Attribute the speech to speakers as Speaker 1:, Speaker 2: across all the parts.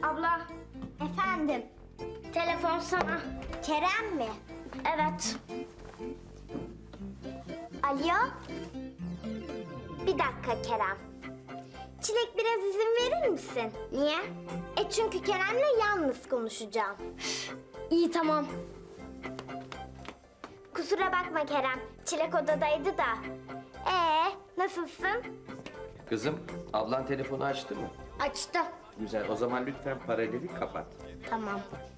Speaker 1: Abla.
Speaker 2: Efendim,
Speaker 1: Telefon sana.
Speaker 2: Kerem mi?
Speaker 1: Evet.
Speaker 2: Alo? Bir dakika Kerem. Çilek biraz izin verir misin?
Speaker 1: Niye?
Speaker 2: Çünkü Kerem'le yalnız konuşacağım.
Speaker 1: İyi tamam.
Speaker 2: Kusura bakma Kerem, Çilek odadaydı da. Nasılsın?
Speaker 3: Kızım, ablan telefonu açtı mı?
Speaker 1: Açtı.
Speaker 3: Güzel, o zaman lütfen paraleli kapat.
Speaker 2: Tamam.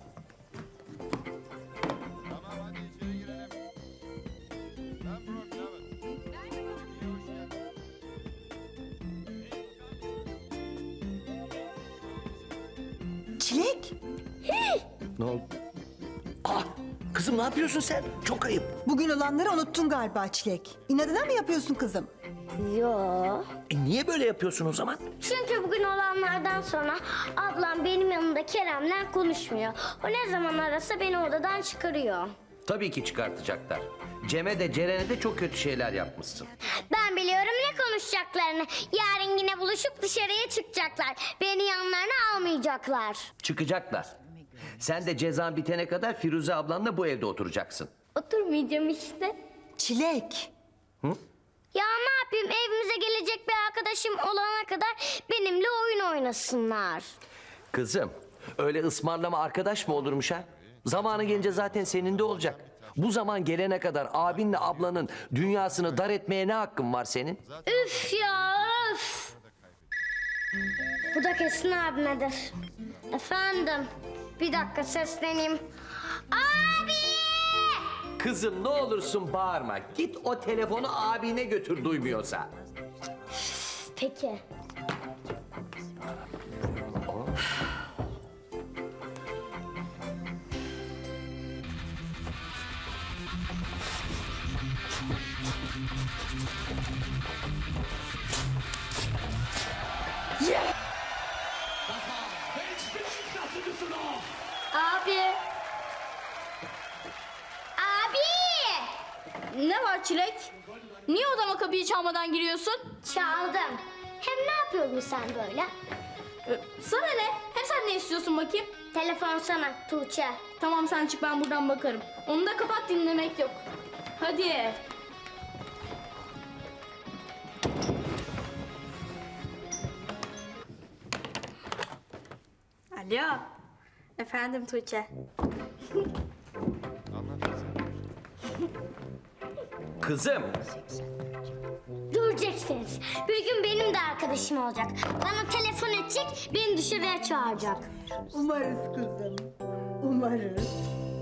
Speaker 4: Çilek,
Speaker 3: Ne oldu? Kızım ne yapıyorsun sen? Çok ayıp.
Speaker 4: bugün olanları unuttun galiba Çilek. İnadına mı yapıyorsun kızım?
Speaker 1: Yo.
Speaker 3: Niye böyle yapıyorsun o zaman?
Speaker 1: Çünkü bugün olanlardan sonra ablam benim yanımda Kerem'le konuşmuyor. O ne zaman arasa beni odadan çıkarıyor.
Speaker 3: Tabii ki çıkartacaklar. Cem'e de Ceren'e de çok kötü şeyler yapmışsın.
Speaker 1: Ben biliyorum ne konuşacaklarını. Yarın yine buluşup dışarıya çıkacaklar. Beni yanlarına almayacaklar.
Speaker 3: Çıkacaklar. Sen de cezan bitene kadar Firuze ablanla bu evde oturacaksın.
Speaker 1: Oturmayacağım işte.
Speaker 4: Çilek,
Speaker 1: Ya ne yapayım evimize gelecek bir arkadaşım olana kadar benimle oyun oynasınlar.
Speaker 3: Kızım, öyle ısmarlama arkadaş mı olurmuş ha? Zamanı gelince zaten senin de olacak. Bu zaman gelene kadar abinle ablanın dünyasını dar etmeye ne hakkın var senin?
Speaker 1: Üf ya üf. Bu da kesin abimedir. Efendim bir dakika sesleneyim. Abi!
Speaker 3: Kızım ne olursun bağırma. Git o telefonu abine götür duymuyorsa.
Speaker 1: Peki. Abi. Abi!
Speaker 5: Ne var Çilek? Niye odama kapıyı çalmadan giriyorsun?
Speaker 1: Çaldım. Hem ne yapıyordun sen böyle?
Speaker 5: Sana ne? Hem sen ne istiyorsun bakayım?
Speaker 1: Telefon sana Tuğçe.
Speaker 5: Tamam sen çık ben buradan bakarım. Onu da kapat dinlemek yok. Hadi. Alo. Efendim Tuğçe.
Speaker 3: Kızım,
Speaker 1: Göreceksiniz. Bir gün benim de arkadaşım olacak. Bana telefon edecek, beni dışarıya çağıracak.
Speaker 4: umarız kızım, umarız.